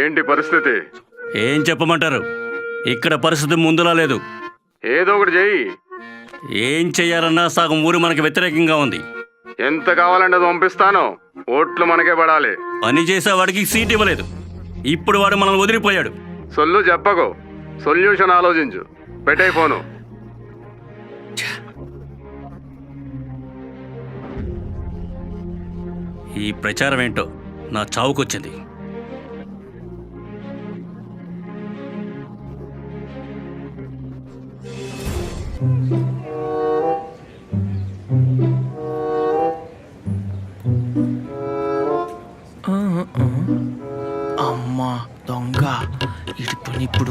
ఏంటి పరిస్థితి? ఏం చెప్పమంటారు? ఇక్కడ పరిస్థితి ముందులా లేదు. ఏదో ఒకటి చెయ్యి. ఏం చెయ్యాలన్నా సగం ఊరు మనకి వ్యతిరేకంగా ఉంది. ఎంత కావాలంటే అది పంపిస్తాను. ఓట్లు మనకే పడాలి. పని చేసేవాడికి సీట్ ఇవ్వలేదు. ఇప్పుడు వాడు మనల్ని వదిలిపోయాడు. సొల్లు చెప్పకు, సొల్యూషన్ ఆలోచించు. పెట్టే ఫోను. ఈ ప్రచారం ఏంటో నా చావుకొచ్చింది. అమ్మా దొంగ ఇటు పని ఇప్పుడు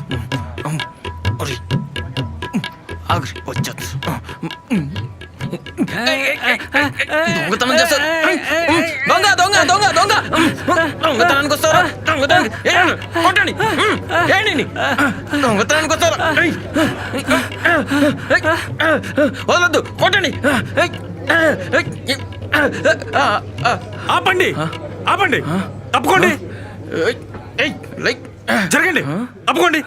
వచ్చేది దొంగతనం చేస్తారు. దొంగ దొంగ దొంగ దొంగ దొంగతనానికి వస్తారా? కొట్టండి, దొంగతనానికి వస్తారా? వదలొద్దు, కొట్టండి. ఆపండి, ఆపండి, తప్పుకోండి, జరగండి, తప్పుకోండి.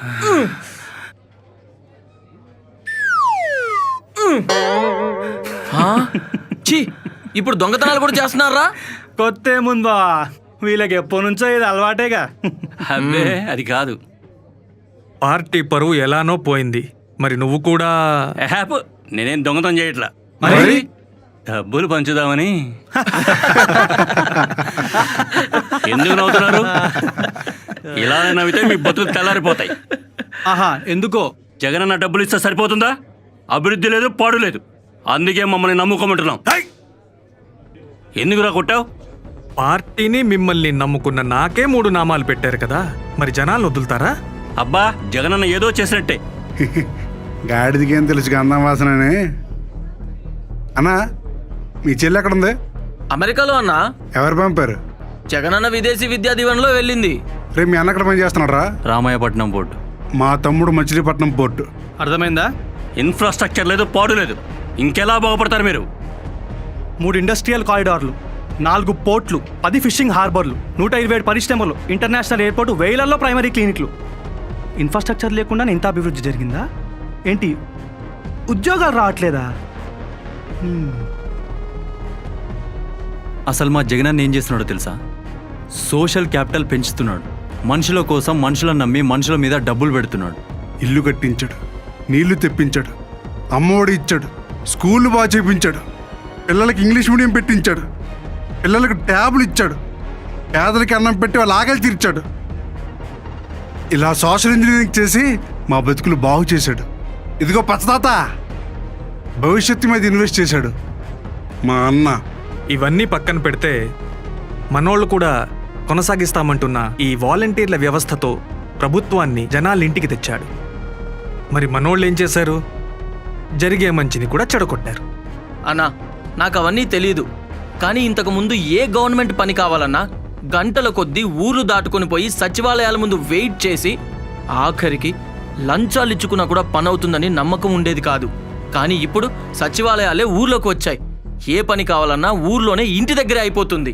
ఇప్పుడు దొంగతనాలు కూడా చేస్తున్నారా? కొత్త ఏముందా, వీళ్ళకి ఎప్పటి నుంచో ఇది అలవాటేగా. అబ్బే అది కాదు. పార్టీ పరువు ఎలానో పోయింది. మరి నువ్వు కూడా హ్యాప్ నేనేం దొంగతనం చేయట్లా, మరి డబ్బులు పంచుదామని. ఎందుకు నవ్వుతున్నారు? ఇలా నవ్వితే మీ బతుకులు తెల్లారిపోతాయి. ఆహా, ఎందుకో? జగనన్న డబ్బులు ఇస్తే సరిపోతుందా? అభివృద్ధి లేదు, పాడు లేదు. అందుకే మమ్మల్ని నమ్ముకోమంటున్నాం. ఎందుకురా కొట్టావు? పార్టీని మిమ్మల్ని నమ్ముకున్న నాకే 3 నామాలు పెట్టారు కదా, మరి జనాలు వదులుతారా? అబ్బా, జగనన్న ఏదో చేసినట్టే. గాడిదికేం తెలుసు గంధం వాసనని. అన్నా, మీ చెల్లి ఎక్కడుంది? అమెరికాలో అన్నా. ఎవరు పంపారు? జగనన్న విదేశీ విద్యా దీవెనలో వెళ్ళింది. రేపు మీ అన్న ఎక్కడ పని చేస్తున్నాడు రా? రామాయపట్నం పోర్టు. మా తమ్ముడు మచిలీపట్నం పోర్టు. అర్థమైందా? ఇన్ఫ్రాస్ట్రక్చర్ లేదు, పాడు లేదు. ఇంకెలా బాగుపడతారు మీరు? 3 ఇండస్ట్రియల్ కారిడార్లు, 4 పోర్ట్లు, 10 ఫిషింగ్ హార్బర్లు, 127 పరిశ్రమలు, ఇంటర్నేషనల్ ఎయిర్పోర్ట్, 1000ల్లో ప్రైమరీ క్లినిక్లు. ఇన్ఫ్రాస్ట్రక్చర్ లేకుండా ఇంత అభివృద్ధి జరిగిందా ఏంటి? ఉద్యోగాలు రావట్లేదా? అసలు మా జగనన్న ఏం చేస్తున్నాడో తెలుసా? సోషల్ క్యాపిటల్ పెంచుతున్నాడు. మనుషుల కోసం మనుషులను నమ్మి మనుషుల మీద డబ్బులు పెడుతున్నాడు. ఇల్లు కట్టించాడు, నీళ్లు తెప్పించాడు, అమ్మఒడి ఇచ్చాడు, స్కూళ్ళు బాగా చేయించాడు, పిల్లలకి ఇంగ్లీష్ మీడియం పెట్టించాడు, పిల్లలకు ట్యాబ్లు ఇచ్చాడు, పేదలకి అన్నం పెట్టి వాళ్ళ ఆకలి తీర్చాడు. ఇలా సోషల్ ఇంజనీరింగ్ చేసి మా బతుకులు బాగు చేశాడు. ఇదిగో పచ్చదాత, భవిష్యత్తు మీద ఇన్వెస్ట్ చేశాడు మా అన్న. ఇవన్నీ పక్కన పెడితే మనోళ్ళు కూడా కొనసాగిస్తామంటున్న ఈ వాలంటీర్ల వ్యవస్థతో ప్రభుత్వాన్ని జనాల ఇంటికి తెచ్చాడు. మరి మనోళ్ళు ఏం చేశారు? జరిగే మంచిని కూడా చెడగొట్టారు. అన్నా, నాకు అవన్నీ తెలియదు. కానీ ఇంతకు ముందు ఏ గవర్నమెంట్ పని కావాలన్నా గంటల కొద్దీ ఊర్లు దాటుకొని పోయి సచివాలయాల ముందు వెయిట్ చేసి ఆఖరికి లంచాలు ఇచ్చుకున్నా కూడా పని అవుతుందని నమ్మకం ఉండేది కాదు. కానీ ఇప్పుడు సచివాలయాలే ఊర్లోకి వచ్చాయి. ఏ పని కావాలన్నా ఊర్లోనే ఇంటి దగ్గరే అయిపోతుంది.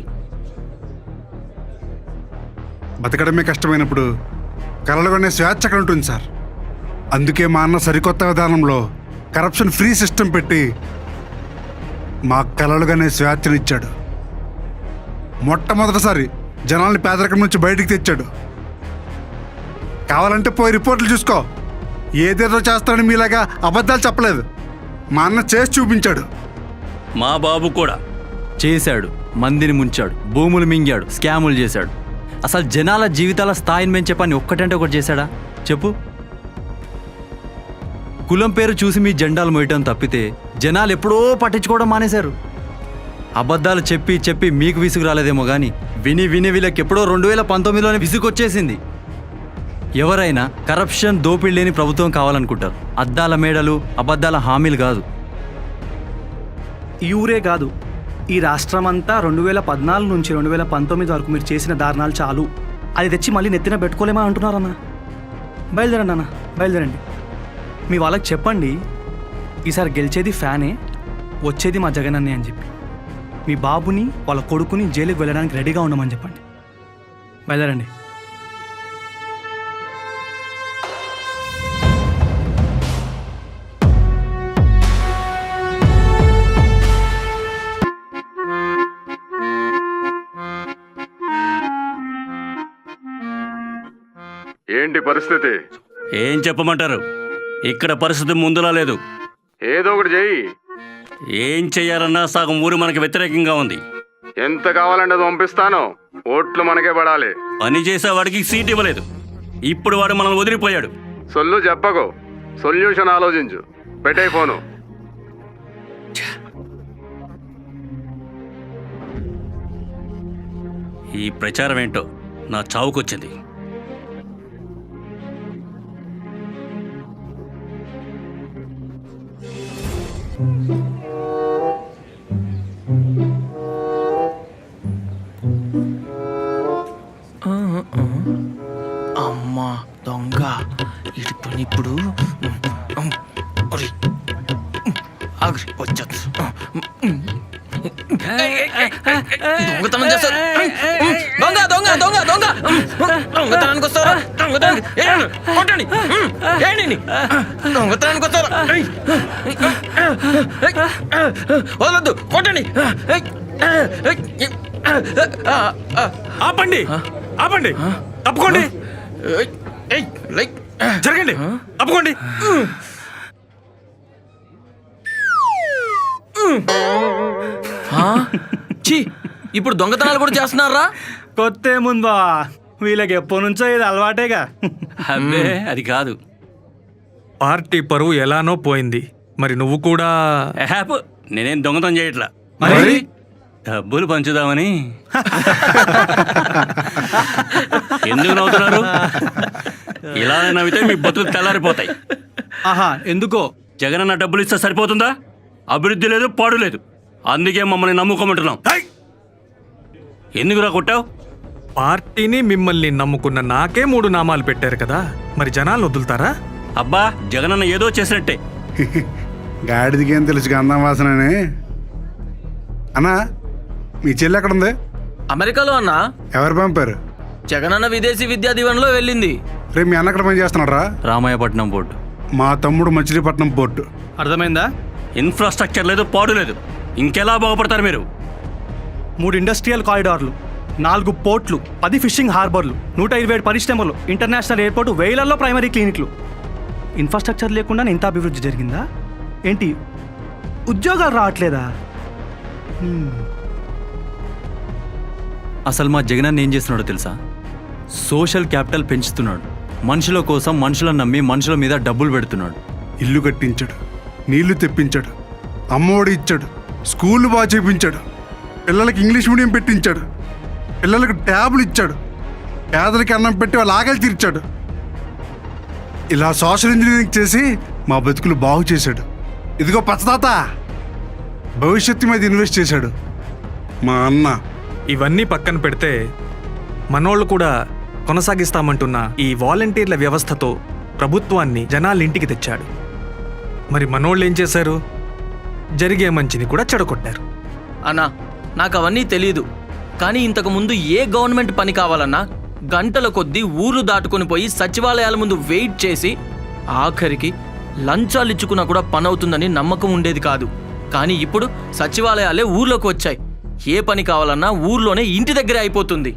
బతకడమే కష్టమైనప్పుడు కలలుగానే స్వేచ్ఛ అక్కడ ఉంటుంది సార్. అందుకే మా అన్న సరికొత్త విధానంలో కరప్షన్ ఫ్రీ సిస్టమ్ పెట్టి మా కలలుగానే స్వేచ్ఛనిచ్చాడు. మొట్టమొదటిసారి జనాల్ని పేదరికం నుంచి బయటికి తెచ్చాడు. కావాలంటే పోయి రిపోర్ట్లు చూసుకో. ఏదేదో చేస్తాడని మీలాగా అబద్ధాలు చెప్పలేదు. మా అన్న చేసి చూపించాడు. మా బాబు కూడా చేశాడు. మందిని ముంచాడు, భూములు మింగాడు, స్కాములు చేశాడు. అసలు జనాల జీవితాల స్థాయిని పెంచే పని ఒక్కటంటే ఒకటి చేశాడా చెప్పు? కులం పేరు చూసి మీ జెండాలు మోయటం తప్పితే జనాలు ఎప్పుడో పట్టించుకోవడం మానేశారు. అబద్ధాలు చెప్పి చెప్పి మీకు విసుగు రాలేదేమో కానీ విని విని వీళ్ళకి ఎప్పుడో 2019లోనే విసుగొచ్చేసింది. ఎవరైనా కరప్షన్, దోపిడీ లేని ప్రభుత్వం కావాలనుకుంటారు. అద్దాల మేడలు, అబద్ధాల హామీలు కాదు. ఈ ఊరే కాదు, ఈ రాష్ట్రం అంతా 2014 నుంచి 2019 వరకు మీరు చేసిన దారుణాలు చాలు. అది తెచ్చి మళ్ళీ నెత్తిన పెట్టుకోలేమా అంటున్నారన్నా. బయలుదేరండి అన్న, బయలుదేరండి. మీ వాళ్ళకి చెప్పండి, ఈసారి గెలిచేది ఫ్యానే, వచ్చేది మా జగనన్నే అని చెప్పి. మీ బాబుని వాళ్ళ కొడుకుని జైలుకి వెళ్ళడానికి రెడీగా ఉండమని చెప్పండి. బయలుదేరండి. ఏంటి పరిస్థితి? ఏం చెప్పమంటారు? ఇక్కడ పరిస్థితి ముందులా లేదు. ఏదో ఒకటి చెయ్యి. ఏం చెయ్యాలన్నా సగం ఊరు మనకి వ్యతిరేకంగా ఉంది. ఎంత కావాలంటే అది పంపిస్తాను. ఓట్లు మనకే పడాలి. పని చేసేవాడికి సీట్ ఇవ్వలేదు. ఇప్పుడు వాడు మనల్ని వదిలిపోయాడు. సొల్లు చెప్పకు, సొల్యూషన్ ఆలోచించు. పెట్టే ఫోను. ఈ ప్రచారం ఏంటో నా చావుకొచ్చింది. అమ్మా దొంగ ఇటు పని ఇప్పుడు వచ్చా దొంగతనం చేస్తారు. దొంగ దొంగ దొంగ దొంగ దొంగతనానికి వస్తారా? దొంగతనానికి కొట్టండి. ఏంటి దొంగతనానికి వస్తారా? వదలొద్దు, కొట్టండి. ఆపండి, ఆపండి, తప్పుకోండి, జరగండి, తప్పుకోండి. ఛీ, ఇప్పుడు దొంగతనాలు కూడా చేస్తున్నారా? కొత్త ఏముందా, వీళ్ళకి ఎప్పటి నుంచో ఇది అలవాటేగా. అబ్బే అది కాదు. పార్టీ పరువు ఎలానో పోయింది. మరి నువ్వు కూడా హ్యాప్ నేనేం దొంగతనం చేయట్లా. మరి డబ్బులు పంచుదామని. ఎందుకు నవ్వుతున్నారు? ఇలా నవ్వితే మీ బతుకులు తెల్లారిపోతాయి. ఆహా, ఎందుకో జగనన్న డబ్బులు ఇస్తే సరిపోతుందా? అభివృద్ధి లేదు, పాడు లేదు. అందుకే మమ్మల్ని నమ్ముకోమంటున్నాం. ఎందుకురా కొట్టావు? పార్టీని మిమ్మల్ని నమ్ముకున్న నాకే 3 నామాలు పెట్టారు కదా, మరి జనాలు వదులుతారా? అబ్బా, జగనన్న ఏదో చేసినట్టే. గాడిదికి ఏం తెలుసు గంధం వాసనని. అన్నా, మీ చెల్లి ఎక్కడ ఉంది? అమెరికాలో అన్నా. ఎవరు పంపారు? జగనన్న విదేశీ విద్యా దీవెనలో వెళ్ళింది. రేపు మీ అన్న ఎక్కడ పని చేస్తున్నారా? రామాయపట్నం బోర్డు. మా తమ్ముడు మచిలీపట్నం పోర్టు. అర్థమైందా? ఇన్ఫ్రాస్ట్రక్చర్ లేదు, పాడు లేదు. ఇంకెలా బాగుపడతారు మీరు? 3 ఇండస్ట్రియల్ కారిడార్లు, 4 పోర్ట్లు, 10 ఫిషింగ్ హార్బర్లు, 127 పరిశ్రమలు, ఇంటర్నేషనల్ ఎయిర్పోర్టు, వేలల్లో ప్రైమరీ క్లినిక్లు. ఇన్ఫ్రాస్ట్రక్చర్ లేకుండా ఇంత అభివృద్ధి జరిగిందా ఏంటి? ఉద్యోగాలు రావట్లేదా? అసలు మా జగనన్న ఏం చేస్తున్నాడో తెలుసా? సోషల్ క్యాపిటల్ పెంచుతున్నాడు. మనుషుల కోసం మనుషులను నమ్మి మనుషుల మీద డబ్బులు పెడుతున్నాడు. ఇల్లు కట్టించాడు, నీళ్లు తెప్పించాడు, అమ్మఒడి ఇచ్చాడు, స్కూళ్ళు బాగా చేపించాడు, పిల్లలకి ఇంగ్లీష్ మీడియం పెట్టించాడు, పిల్లలకు ట్యాబులు ఇచ్చాడు, పేదలకి అన్నం పెట్టి వాళ్ళ ఆకలి తీర్చాడు. ఇలా సోషల్ ఇంజనీరింగ్ చేసి మా బతుకులు బాగు చేశాడు. ఇదిగో పచ్చతాత, భవిష్యత్తు మీద ఇన్వెస్ట్ చేశాడు మా అన్న. ఇవన్నీ పక్కన పెడితే మనోళ్ళు కూడా కొనసాగిస్తామంటున్న ఈ వాలంటీర్ల వ్యవస్థతో ప్రభుత్వాన్ని జనాల ఇంటికి తెచ్చాడు. మరి మనోళ్ళు ఏం చేశారు? జరిగే మంచిని కూడా చెడగొట్టారు. అన్నా, నాకు అవన్నీ తెలియదు. కానీ ఇంతకు ముందు ఏ గవర్నమెంట్ పని కావాలన్నా గంటల కొద్దీ ఊర్లు దాటుకొని పోయి సచివాలయాల ముందు వెయిట్ చేసి ఆఖరికి లంచాలు ఇచ్చుకున్నా కూడా పని అవుతుందని నమ్మకం ఉండేది కాదు. కానీ ఇప్పుడు సచివాలయాలే ఊర్లోకి వచ్చాయి. ఏ పని కావాలన్నా ఊర్లోనే ఇంటి దగ్గరే అయిపోతుంది.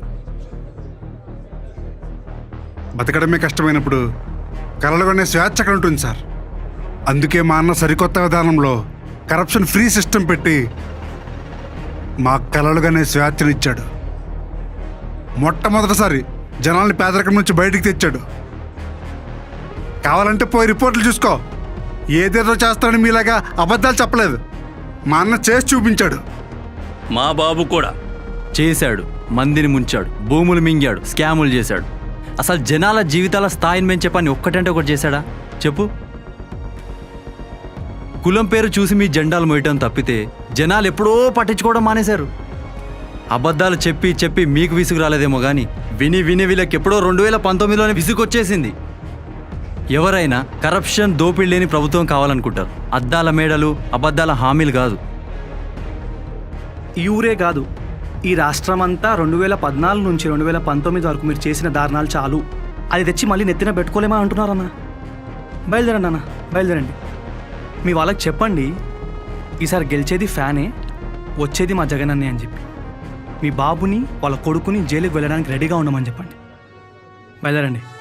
బతకడమే కష్టమైనప్పుడు కలలుగానే స్వేచ్ఛ అక్కడ ఉంటుంది సార్. అందుకే మా అన్న సరికొత్త విధానంలో కరప్షన్ ఫ్రీ సిస్టమ్ పెట్టి మా కలలుగానే స్వేచ్ఛనిచ్చాడు. మొట్టమొదటిసారి జనాల్ని పేదరికం నుంచి బయటికి తెచ్చాడు. కావాలంటే పోయి రిపోర్ట్లు చూసుకో. ఏదేదో చేస్తాడని మీలాగా అబద్ధాలు చెప్పలేదు. మా అన్న చేసి చూపించాడు. మా బాబు కూడా చేశాడు. మందిని ముంచాడు, భూములు మింగాడు, స్కాములు చేశాడు. అసలు జనాల జీవితాల స్థాయిని పెంచే పని ఒక్కటంటే ఒకటి చేశాడా చెప్పు? కులం పేరు చూసి మీ జెండాలు మోయటం తప్పితే జనాలు ఎప్పుడో పట్టించుకోవడం మానేశారు. అబద్ధాలు చెప్పి చెప్పి మీకు విసుగు రాలేదేమో కానీ విని విని వీళ్ళకి ఎప్పుడో 2019లోనే విసుగొచ్చేసింది. ఎవరైనా కరప్షన్, దోపిడీ లేని ప్రభుత్వం కావాలనుకుంటారు. అద్దాల మేడలు, అబద్ధాల హామీలు కాదు. ఈ ఊరే కాదు, ఈ రాష్ట్రం అంతా 2014 నుంచి 2019 వరకు మీరు చేసిన దారుణాలు చాలు. అది తెచ్చి మళ్ళీ నెత్తిన పెట్టుకోలేమా అంటున్నారన్నా. బయలుదేరండి అన్న, బయలుదేరండి. మీ వాళ్ళకి చెప్పండి, ఈసారి గెలిచేది ఫ్యానే, వచ్చేది మా జగనన్నే అని చెప్పి. మీ బాబుని వాళ్ళ కొడుకుని జైలుకి వెళ్ళడానికి రెడీగా ఉండమని చెప్పండి. బయలుదేరండి.